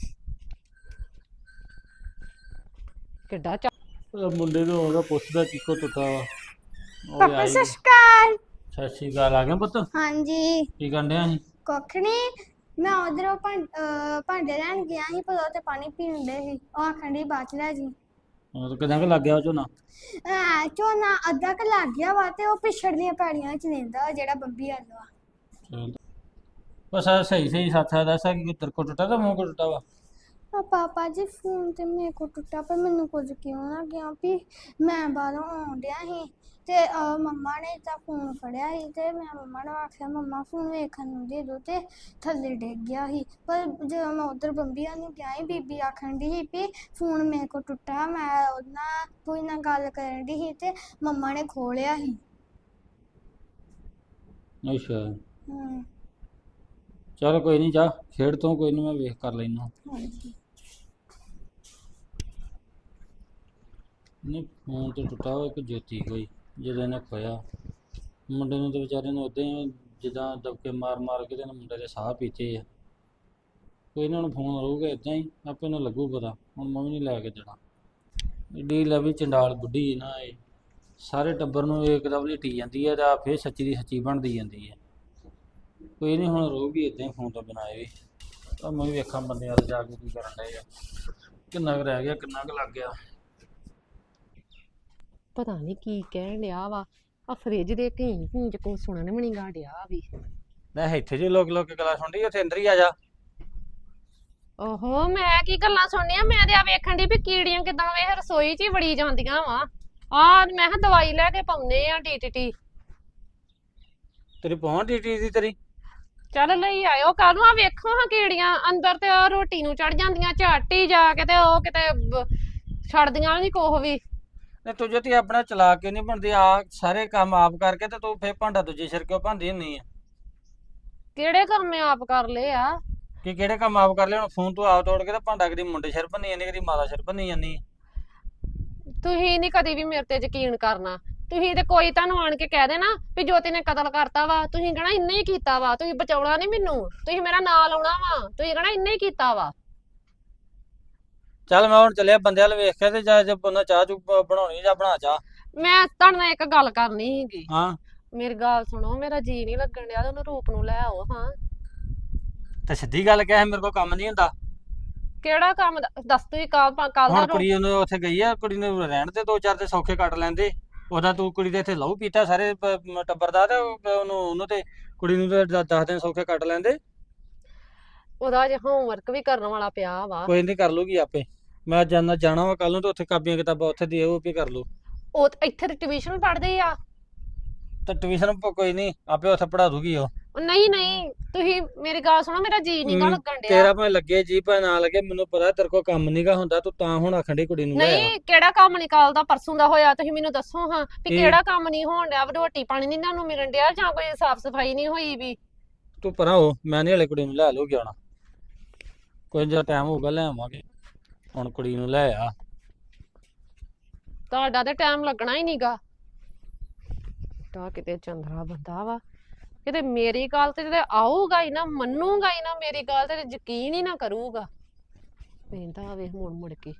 ਕਿੱਡਾ ਚਾ
ਉਹ ਮੁੰਡੇ ਨੂੰ ਉਹਦਾ ਪੁੱਛਦਾ ਕਿੱਕੋ ਟੁੱਟਾ ਵਾ। ਉਹ
ਪਾਪਾ
ਆਈ
ਸਤਿ ਸ਼੍ਰੀ ਅਕਾਲ।
ਸਤਿ ਸ਼੍ਰੀ ਅਕਾਲ। ਆ ਗਿਆ ਪੁੱਤ?
ਹਾਂਜੀ
ਕੀ ਕਰਨ ਡਿਆ ਸੀ?
ਕੁੱਖ ਨੀ, ਮੈਂ ਉਧਰੋਂ ਭਾਂਡੇ ਲੈਣ ਗਿਆ ਸੀ, ਪਰ ਉਹ ਤੇ ਪਾਣੀ ਪੀਣ ਦੇ ਸੀ। ਉਹ ਆਖਣ ਡਈ ਬਾਅਦ ਚ ਲੈ ਜੀ।
ਉਹ ਤਾਂ ਕਿਦਾਂ ਕਿ ਲੱਗ ਗਿਆ ਉਹ ਝੋਨਾ?
ਐ ਝੋਨਾ ਅੱਧਾ ਕ ਲੱਗ ਗਿਆ ਵਾ ਤੇ ਉਹ ਪਿਛੜਦੀਆਂ ਪੈੜੀਆਂ ਚ ਲੈਂਦਾ ਜਿਹੜਾ ਬੰਬੀ ਆਲੂ ਆ।
ਚਲ ਬਸ ਆ ਸਹੀ ਸਹੀ ਸੱਚ ਆ ਦੱਸ ਕਿ ਤੇਰੇ ਕੋ ਟੁੱਟਾ ਤਾਂ ਮੂੰਹ ਕੋ ਟੁੱਟਾ ਵਾ?
ਆ ਪਾਪਾ ਜੀ ਫੋਨ ਤੇ ਮੇਰੇ ਕੋ ਟੁੱਟਾ, ਪਰ ਮੈਨੂੰ ਕੁਝ ਕਿਉਂ ਨਾ ਗਿਆ ਵੀ ਮੈਂ ਬਾਹਰੋਂ ਆਉਣ ਡਿਆ ਸੀ ਤੇ ਅਹ ਮੰਮਾ ਨੇ ਤਾਂ ਫੋਨ ਫੜਿਆ ਸੀ ਤੇ ਮੈਂ ਮੰਮਾ ਨੂੰ ਆਖਿਆ ਮੰਮਾ ਫੋਨ ਵੇਖਣ ਨੂੰ ਦੇ ਦੋ ਤੇ ਥੱਲੇ ਡਿੱਗ ਗਿਆ ਸੀ। ਪਰ ਜਦੋਂ ਮੈਂ ਉਧਰ ਬੰਬੀਆਂ ਨੂੰ ਗਿਆ ਸੀ, ਬੀਬੀ ਆਖਣ ਦੀ ਸੀ ਵੀ ਫੋਨ ਮੇਰੇ ਕੋ ਟੁੱਟਾ, ਮੈਂ ਉਹਦੇ ਨਾਲ ਕੋਈ ਨਾਲ ਗੱਲ ਕਰਨ ਦੀ ਸੀ ਤੇ ਮੰਮਾ ਨੇ ਖੋਲਿਆ ਸੀ।
ਅੱਛਾ
ਹੂੰ
ਚਲ ਕੋਈ ਨਹੀਂ, ਜਾ ਖੇਡ ਤੋਂ ਕੋਈ ਨਹੀਂ, ਮੈਂ ਵੇਖ ਕਰ ਲੈਣਾ।
ਹਾਂਜੀ
ਨਹੀਂ ਫੋਨ ਤੇ ਟੁੱਟਾ ਹੋਇਆ ਇੱਕ ਜੋਤੀ ਕੋਈ ਜਦੋਂ ਇਹਨੇ ਖੋਇਆ। ਮੁੰਡੇ ਨੂੰ ਤੇ ਵਿਚਾਰੇ ਨੂੰ ਉਦਾਂ ਹੀ ਜਿੱਦਾਂ ਦਬਕੇ ਮਾਰ ਮਾਰ ਕੇ ਤੇ ਮੁੰਡੇ ਦੇ ਸਾਹ ਪੀਤੇ ਆ। ਕੋਈ ਇਹਨਾਂ ਨੂੰ ਫੋਨ ਰਹੂਗਾ ਇਦਾਂ ਹੀ, ਆਪੇ ਨੂੰ ਲੱਗੂ ਪਤਾ। ਹੁਣ ਮੈਂ ਵੀ ਨਹੀਂ ਲੈ ਕੇ ਦੇਣਾ। ਏਡੀ ਲਵੀ ਚੰਡਾਲ ਬੁੱਢੀ ਨਾ ਇਹ ਸਾਰੇ ਟੱਬਰ ਨੂੰ ਇੱਕਦਮ ਲਿਟੀ ਜਾਂਦੀ ਹੈ ਤੇ ਆ ਫੇਰ ਸੱਚੀ ਦੀ ਸੱਚੀ ਬਣਦੀ ਜਾਂਦੀ ਹੈ। ਕੋਈ ਨਹੀਂ ਹੁਣ ਰਹੂਗੀ ਇਦਾਂ ਹੀ ਫੋਨ ਤੋਂ ਬਿਨਾਂ ਇਹ ਵੀ। ਤਾਂ ਮੈਂ ਵੀ ਵੇਖਾਂ ਬੰਦੇ ਵੱਲ ਜਾ ਕੇ ਕੀ ਕਰਨ ਡਏ ਆ, ਕਿੰਨਾ ਕੁ ਰਹਿ ਗਿਆ, ਕਿੰਨਾ ਕੁ ਲੱਗ ਗਿਆ।
ਪਤਾ ਨਹੀਂ ਕੀ ਕਹਿਣ ਡਿਆ ਵਾ। ਆ ਫਰਿੱਜ ਦੇ ਘੀਂ ਘੀਂ ਚ ਕੋ ਸੁਣਨ ਵੀ ਨੀ ਗਾ ਡਿਆ ਵੀ।
ਮੈਂ ਇੱਥੇ ਜੇ ਲੋਕ ਲੋਕ ਗੱਲਾਂ ਸੁਣਦੀ, ਉੱਥੇ ਅੰਦਰ ਹੀ ਆ ਜਾ।
ਓਹੋ ਮੈਂ ਕੀ ਗੱਲਾਂ ਸੁਣਨੀਆਂ, ਮੈਂ ਤੇ ਆ ਵੇਖਣ ਦੀ ਵੀ ਕੀੜੀਆਂ ਕਿਦਾਂ ਵੇਖ ਰਸੋਈ ਚ ਹੀ ਵੜੀ ਜਾਂਦੀਆਂ ਵਾ। ਆ ਮੈਂ ਕਿਹਾ ਦਵਾਈ ਲੈ ਕੇ ਪਾਉਂਦੇ ਆ ਡੀਟੀਟੀ।
ਤੇਰੀ ਪਹੁੰਚ ਡੀਟੀ ਦੀ ਤੇਰੀ?
ਚੱਲ ਲਈ ਆਇਓ ਕੱਲ ਨੂੰ। ਆ ਵੇਖੋ ਹਾਂ ਕੀੜੀਆਂ ਅੰਦਰ ਤੇ ਆ ਰੋਟੀ ਨੂੰ ਚੜ ਜਾਂਦੀਆਂ ਝੱਟ ਹੀ ਜਾ ਕੇ, ਤੇ ਉਹ ਕਿਤੇ ਬ- ਛੱਡਦੀਆਂ ਨੀ ਕੋਹ ਵੀ।
ਨੇ ਤੂੰ ਜੋ ਤੀ ਆਪਣਾ ਚਲਾ ਕੇ ਨਹੀਂ ਬਣਦੀ, ਆ ਸਾਰੇ ਕੰਮ ਆਪ ਕਰਕੇ ਤੇ ਤੂੰ ਫੇਰ ਭਾਂਡਾ ਦੂਜੇ ਸਿਰ ਕਿਉਂ ਭਾਂਦੀ ਹੁੰਨੀ ਆ?
ਕਿਹੜੇ ਕੰਮ ਮੈਂ ਆਪ ਕਰ ਲਏ ਆ?
ਕਿ ਕਿਹੜੇ ਕੰਮ ਆਪ ਕਰ ਲਿਆ? ਹੁਣ ਫੋਨ ਤੂੰ ਆਪ ਤੋੜ ਕੇ ਤੇ ਭਾਂਡਾ ਕਦੀ ਮੁੰਡੇ ਸਿਰ ਭੰਨੀ ਜਾਂਦੀ, ਕਦੀ ਮਾਤਾ ਸਿਰ ਭੰਨੀ ਜਾਂਦੀ।
ਤੁਸੀਂ ਨੀ ਕਦੀ ਵੀ ਮੇਰੇ ਤੇ ਯਕੀਨ ਕਰਨਾ। ਤੁਸੀਂ ਤੇ ਕੋਈ ਤੁਹਾਨੂੰ ਆਣ ਕੇ ਕਹਿ ਦੇਣਾ ਵੀ ਜੋਤੀ ਨੇ ਕਤਲ ਕਰਤਾ ਵਾ, ਤੁਸੀਂ ਕਹਣਾ ਇੰਨੇ ਹੀ ਕੀਤਾ ਵਾ। ਤੁਸੀਂ ਬਚਾਉਣਾ ਨਹੀਂ ਮੈਨੂੰ, ਤੁਸੀਂ ਮੇਰਾ ਨਾਂ ਲਾਉਣਾ ਵਾ, ਤੁਸੀਂ ਕਹਣਾ ਇੰਨੇ ਹੀ ਕੀਤਾ ਵਾ।
ਚੱਲ ਮੈਂ ਹੁਣ ਚੱਲਿਆ ਬੰਦਿਆਂ ਵੱਲ ਵੇਖ ਕੇ ਤੇ ਜਾ ਜੇ ਬੰਦਾ ਚਾਹ ਚੂ ਬਣਾਉਣੀ ਜਾਂ ਬਣਾ ਚਾਹ।
ਮੈਂ ਤੁਹਾਡੇ ਨਾਲ ਇੱਕ ਗੱਲ ਕਰਨੀ ਸੀਗੀ।
ਹਾਂ
ਮੇਰੀ ਗੱਲ ਸੁਣੋ, ਮੇਰਾ ਜੀ ਨਹੀਂ ਲੱਗਣ ਡਿਆ ਤੇ ਉਹਨੂੰ ਰੂਪ ਨੂੰ ਲੈ ਆਓ ਹਾਂ।
ਤੇ ਸਿੱਧੀ ਗੱਲ ਕਹਿ, ਮੇਰੇ ਕੋਲ ਕੰਮ ਨਹੀਂ ਹੁੰਦਾ।
ਕਿਹੜਾ ਕੰਮ ਦ- ਦੱਸ ਤੁਸੀਂ ਕੱਲ ਕੱਲ ਦਾ
ਹੁਣ
ਰੋ-
ਕੁੜੀ ਉਹਨੂੰ ਉੱਥੇ ਗਈ ਆ, ਕੁੜੀ ਨੂੰ ਰਹਿਣ ਤੇ ਦੋ ਚਾਰ ਤੇ ਸੌਖੇ ਕੱਟ ਲੈਂਦੇ। ਉਹਦਾ ਤੂੰ ਕੁੜੀ ਦੇ ਇੱਥੇ ਲਹੂ ਪੀਤਾ ਸਾਰੇ ਪ- ਟੱਬਰ ਦਾ, ਤੇ ਉਹ- ਉਹਨੂੰ ਉਹਨੂੰ ਤੇ ਕੁੜੀ ਨੂੰ ਤੇ ਦ- ਦਸ ਦਿਨ ਸੌਖੇ ਕੱਟ ਲੈਂਦੇ।
ਉਹਦਾ ਜੇ ਹੋਮਵਰਕ ਵੀ ਕਰਨ ਵਾਲਾ ਪਿਆ ਵਾ।
ਕੋਈ ਨਹੀਂ ਕਰ ਲੂਗੀ ਆਪੇ। ਮੈਂ ਜਾਣਾ ਜਾਣਾ ਵਾ ਕੱਲ ਨੂੰ, ਤੇ ਉੱਥੇ ਕਾਪੀਆਂ ਕਿਤਾਬਾਂ ਉੱਥੇ ਦੇ ਉਹ ਵੀ ਕਰ ਲੂ।
ਉਹ ਤੇ ਇੱਥੇ ਤੇ ਟਿਊਸ਼ਨ ਪੜ੍ਹਦੇ ਆ।
ਤੇ ਟਿਊਸ਼ਨ ਕੋਈ ਨਹੀਂ, ਆਪੇ ਉੱਥੇ ਪੜਾ ਦੂਗੀ ਉਹ।
ਉਹ ਨਹੀਂ ਨਹੀਂ ਤੁਸੀਂ ਮੇਰੀ ਗੱਲ ਸੁਣੋ, ਮੇਰਾ ਜੀ ਨਹੀਂ ਗਾ
ਹਮ,
ਲੱਗਣ ਡਿਆ।
ਤੇਰਾ ਭਾਵੇਂ ਲੱਗੇ ਜੀ ਭਾਵੇਂ ਨਾ ਲੱਗੇ, ਮੈਨੂੰ ਪਤਾ ਤੇਰੇ ਕੋਲ ਕੰਮ ਨਹੀਂਗਾ ਹੁੰਦਾ, ਤੂੰ ਤਾਂ ਹੁਣ ਆਖਣ ਡਈ ਕੁੜੀ ਨੂੰ ਲੈ ਆ।
ਨਹੀਂ ਕਿਹੜਾ ਕੰਮ ਨਿਕਾਲਦਾ ਪਰਸੋਂ ਦਾ ਹੋਇਆ, ਤੁਸੀਂ ਮੈਨੂੰ ਦੱਸੋ ਹਾਂ ਵੀ
ਕੀ?
ਕਿਹੜਾ ਕੰਮ ਨਹੀਂ ਹੋਣ ਡਿਆ? ਰੋਟੀ ਪਾਣੀ ਨਹੀਂ ਤੁਹਾਨੂੰ ਮਿਲਣ ਡਿਆ ਜਾਂ ਕੋਈ ਸਾਫ ਸਫਾਈ ਨਹੀਂ ਹੋਈ ਵੀ?
ਤੂੰ ਪਰਾਂ ਹੋ, ਮੈਂ ਨਹੀਂ ਹਲੇ ਕੁੜੀ ਨੂੰ ਲੈ ਲੂਗੀ ਆਉਣਾ। ਕੋਈ ਜਿਹਾ ਟਾਈਮ ਹੋਊਗਾ ਲੈ ਆਵਾਂਗੇ। ਹੁਣ ਕੁੜੀ ਨੂੰ ਲੈ ਆ।
ਤੁਹਾਡਾ ਤੇ ਟਾਈਮ ਲੱਗਣਾ ਹੀ ਨਹੀਂਗਾ। ਤਾਂ ਕਿਤੇ ਚੰਦਰਾ ਬੰਦਾ ਵਾ, ਕਿਤੇ ਮੇਰੀ ਗੱਲ ਤੇ ਤੇ ਆਊਗਾ ਹੀ ਨਾ, ਮੰਨੂਗਾ ਹੀ ਨਾ, ਮੇਰੀ ਗੱਲ ਤੇ ਯਕੀਨ ਹੀ ਨਾ ਕਰੂਗਾ। ਪੈਂਦਾ ਵੇ ਮੁੜ ਮੁੜ ਕੇ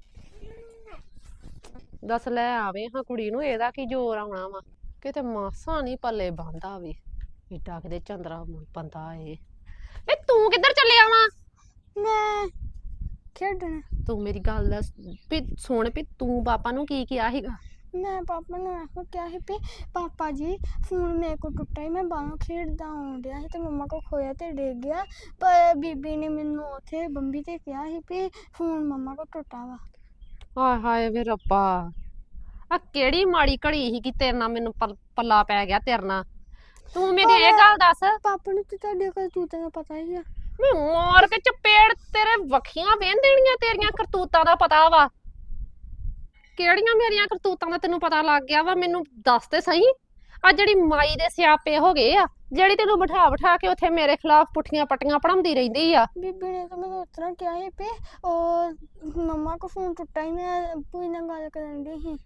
ਦੱਸ ਲੈ ਆਵੇ ਹਾਂ ਕੁੜੀ ਨੂੰ, ਇਹਦਾ ਕੀ ਜ਼ੋਰ ਆਉਣਾ ਵਾ? ਕਿਤੇ ਮਾਸਾ ਨਹੀਂ ਪੱਲੇ ਬੰਦਾ ਵੇ ਏਡਾ ਕਿਤੇ ਚੰਦਰਾ ਬੰਦਾ ਏ। ਏ ਤੂੰ ਕਿੱਧਰ ਚੱਲਿਆ ਵਾ?
ਮੈਂ ਖੇਡਣਾ।
ਤੂੰ ਮੇਰੀ ਗੱਲ ਦੱਸ ਵੀ ਸੁਣ ਵੀ ਤੂੰ ਪਾਪਾ ਨੂੰ ਕੀ ਕਿਹਾ ਸੀਗਾ?
ਮੈਂ ਪਾਪਾ ਨੂੰ ਇਹੋ ਕਿਹਾ ਸੀ ਵੀ ਪਾਪਾ ਜੀ ਫੋਨ ਮੇਰੇ ਕੋਲ ਟੁੱਟਾ ਹੀ, ਮੈਂ ਬਾਹਰੋਂ ਖੇਡਦਾ ਆਉਣ ਡਿਆ ਸੀ ਤੇ ਮੰਮਾ ਕੋਲ ਖੋਇਆ ਤੇ ਡਿੱਗ ਗਿਆ। ਪਰ ਬੀਬੀ ਨੇ ਮੈਨੂੰ ਉੱਥੇ ਬੰਬੀ ਤੇ ਕਿਹਾ ਸੀ ਵੀ ਫੋਨ ਮੰਮਾ ਕੋਲ ਟੁੱਟਾ ਵਾ।
ਹਾਏ ਹਾਏ ਵੇ ਰੱਬਾ, ਆ ਕਿਹੜੀ ਮਾੜੀ ਘੜੀ ਸੀ ਕਿ ਤੇਰੇ ਨਾਲ ਮੈਨੂੰ ਪਲ- ਪੱਲਾ ਪੈ ਗਿਆ ਤੇਰੇ ਨਾਲ। ਤੂੰ ਮੈਨੂੰ ਇਹ ਗੱਲ ਦੱਸ,
ਪਾਪਾ ਨੂੰ ਤੇ ਤੁਹਾਡੇ ਕਰਤੂਤਾਂ ਦਾ ਪਤਾ ਹੀ ਆ।
ਮੈਂ ਮਾਰ ਕੇ ਚਪੇੜ ਤੇਰੇ ਵੱਖੀਆਂ ਵੇਨ ਦੇਣੀਆਂ, ਤੇਰੀਆਂ ਕਰਤੂਤਾਂ ਦਾ ਪਤਾ ਵਾ। ਕਿਹੜੀਆਂ ਮੇਰੀਆਂ ਕਰਤੂਤਾਂ ਦਾ ਤੈਨੂੰ ਪਤਾ ਲੱਗ ਗਿਆ ਵਾ? ਮੈਨੂੰ ਦੱਸ ਤੇ ਸਹੀ। ਆ ਜਿਹੜੀ ਮਾਈ ਦੇ ਸਿਆਪੇ ਹੋ ਗਏ ਆ, ਜਿਹੜੀ ਤੈਨੂੰ ਬਿਠਾ ਬਿਠਾ ਕੇ ਉੱਥੇ ਮੇਰੇ ਖਿਲਾਫ ਪੁੱਠੀਆਂ ਪੱਟੀਆਂ ਪੜਾਉਂਦੀ ਰਹਿੰਦੀ ਆ।
ਬੀਬੀ ਨੇ ਤਾਂ ਮੈਨੂੰ ਉਤਰਾ ਕਿਹਾ ਸੀ ਪੇ ਉਹ ਮੰਮਾ ਕੋ ਫੋਨ ਟੁੱਟਾ ਹੀ ਮੈਂ ਭੂਈ ਨਾਲ ਗੱਲ ਕਰਨ ਦੀ ਸੀ।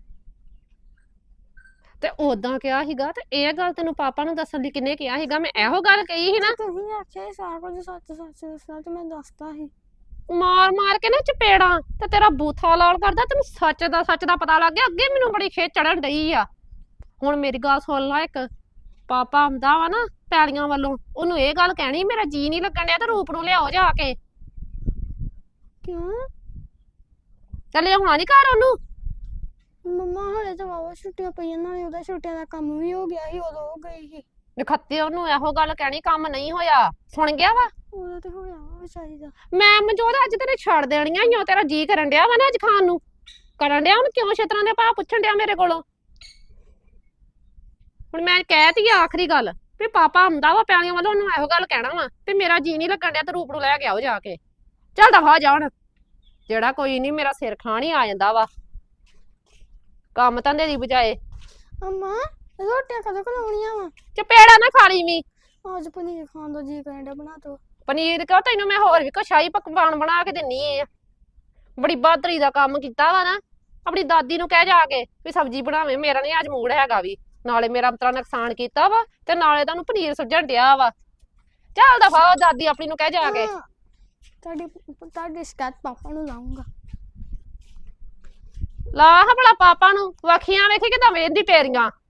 ਤੇ ਉਦਾਂ ਕਿਹਾ ਸੀਗਾ ਤੇ ਇਹ ਗੱਲ ਤੈਨੂੰ ਪਾਪਾ ਨੂੰ ਦੱਸਣ ਲਈ ਕਿੰਨੇ ਕਿਹਾ ਸੀਗਾ? ਮੈਂ ਇਹੋ ਗੱਲ ਕਹੀ ਸੀ ਨਾ।
ਤੁਸੀਂ ਆਖਿਆ ਸੀ ਸਾਰਾ ਕੁਝ ਸੱਚ ਸੱਚ ਦੱਸਣਾ ਤੇ ਮੈਂ ਦੱਸਤਾ ਸੀ।
ਮਾਰ ਮਾਰ ਕੇ ਨਾ ਚਪੇੜਾਂ ਤੇ ਤੇਰਾ ਬੂਥਾ ਲਾਲ ਕਰਦਾ। ਤੈਨੂੰ ਸੱਚ ਦਾ ਸੱਚ ਦਾ ਪਤਾ ਲੱਗ ਗਿਆ। ਅੱਗੇ ਮੈਨੂੰ ਬੜੀ ਖੇਚ ਚੜਨ ਡਈ ਆ। ਹੁਣ ਮੇਰੀ ਗੱਲ ਸੁਣ ਲੈ, ਇੱਕ ਪਾਪਾ ਆਉਂਦਾ ਵਾ ਨਾ ਪੈਲੀਆਂ ਵੱਲੋਂ, ਉਹਨੂੰ ਇਹ ਗੱਲ ਕਹਿਣੀ ਮੇਰਾ ਜੀ ਨਹੀਂ ਲੱਗਣ ਡਿਆ ਤੇ ਰੂਪ ਨੂੰ ਲਿਆਓ ਜਾ ਕੇ।
ਕਿਉਂ?
ਚੱਲੇ ਹੋਣਾ ਨੀ ਘਰ ਉਹਨੂੰ।
ਮੰਮਾ ਹਲੇ ਤਾਂ ਵਾਵਾ ਛੁੱਟੀਆਂ ਪਈਆਂ, ਨਾਲੇ ਉਹਦਾ ਛੁੱਟੀਆਂ ਦਾ ਕੰਮ ਵੀ ਹੋ ਗਿਆ ਸੀ, ਉਦੋਂ ਉਹ ਗਈ ਸੀ।
ਨਖੱਤੇ ਉਹਨੂੰ ਇਹੋ ਗੱਲ ਕਹਿਣੀ ਕੰਮ ਨਹੀਂ ਹੋਇਆ। ਸੁਣ ਗਿਆ ਵਾ?
ਉਹਦਾ ਤੇ ਹੋਇਆ ਵਾ ਵਿਚਾਰੀ ਦਾ।
ਮੈਂ ਮਨਜੋਤ ਅੱਜ ਤੇਰੇ ਛੱਡ ਦੇਣੀਆਂ ਈ ਓ। ਤੇਰਾ ਜੀ ਕਰਨ ਡਿਆ ਵਾ ਨਾ ਅੱਜ ਖਾਣ ਨੂੰ, ਕਰਨ ਡਿਆ ਹੁਣ ਕਿਉਂ ਛੇਤਰਾਂ ਦੇ ਭਾਅ ਪੁੱਛਣ ਡਿਆ ਮੇਰੇ ਕੋਲੋਂ? ਹੁਣ ਮੈਂ ਕਹਿਤੀ ਆਖਰੀ ਗੱਲ ਵੀ ਪਾਪਾ ਆਉਂਦਾ ਵਾ ਪੈਲੀਆਂ ਵੱਲੋਂ, ਉਹਨੂੰ ਇਹੋ ਗੱਲ ਕਹਿਣਾ ਵਾ ਵੀ ਮੇਰਾ ਜੀ ਨਹੀਂ ਲੱਗਣ ਡਿਆ ਤੇ ਰੂਪ ਨੂੰ ਲੈ ਕੇ ਆਓ ਜਾ ਕੇ। ਚੱਲ ਦਫਾ ਜਾਣ। ਜਿਹੜਾ ਕੋਈ ਨਹੀਂ ਮੇਰਾ ਸਿਰ ਖਾਣ ਹੀ ਆ ਜਾਂਦਾ ਵਾ ਕੰਮ ਧੰਦੇ ਦੀ ਬਜਾਏ।
ਅੰਮਾ ਰੋਟੀਆਂ ਕਦੋਂ ਖਲਾਉਣੀਆਂ ਵਾ?
ਚਪੇੜਾ ਨਾ ਖਾ ਲਈ ਵੀ।
ਅੱਜ ਪਨੀਰ ਖਾਣ ਦਾ ਜੀ ਕਰਨ ਡਿਆ, ਬਣਾ ਦੋ।
ਪਨੀਰ ਕਿਉਂ? ਤੈਨੂੰ ਮੈਂ ਹੋਰ ਵੀ ਕੁਛ ਸ਼ਾਹੀ ਪਕਵਾਨ ਬਣਾ ਕੇ ਦਿੰਨੀ ਆ। ਬੜੀ ਬਹਾਦਰੀ ਦਾ ਕੰਮ ਕੀਤਾ ਵਾ ਨਾ। ਆਪਣੀ ਦਾਦੀ ਨੂੰ ਕਹਿ ਜਾ ਕੇ ਵੀ ਸਬਜ਼ੀ ਬਣਾਵੇ। ਮੇਰਾ ਨਹੀਂ ਅੱਜ ਮੂਡ ਹੈਗਾ ਵੀ। ਨਾਲੇ ਮੇਰਾ ਅੰਤਰਾ ਨੁਕਸਾਨ ਕੀਤਾ ਵਾ ਤੇ ਨਾਲੇ ਤੁਹਾਨੂੰ ਪਨੀਰ ਸੁੱਜਣ ਡਿਆ ਵਾ। ਚੱਲ ਦਫਾ ਦਾਦੀ ਆਪਣੀ ਨੂੰ ਕਹਿ ਜਾ ਕੇ।
ਹਾਂ, ਤੁਹਾਡੀ ਤੁਹਾਡੀ ਸ਼ਿਕਾਇਤ ਪਾਪਾ ਨੂੰ ਲਾਉਂਗਾ।
ਲਾ ਹਾਂ ਭਲਾ ਪਾਪਾ ਨੂੰ। ਵਖੀਆਂ ਵੇਖੀ ਕਿਦਾਂ ਵੇਂਦੀ ਤੇਰੀਆਂ।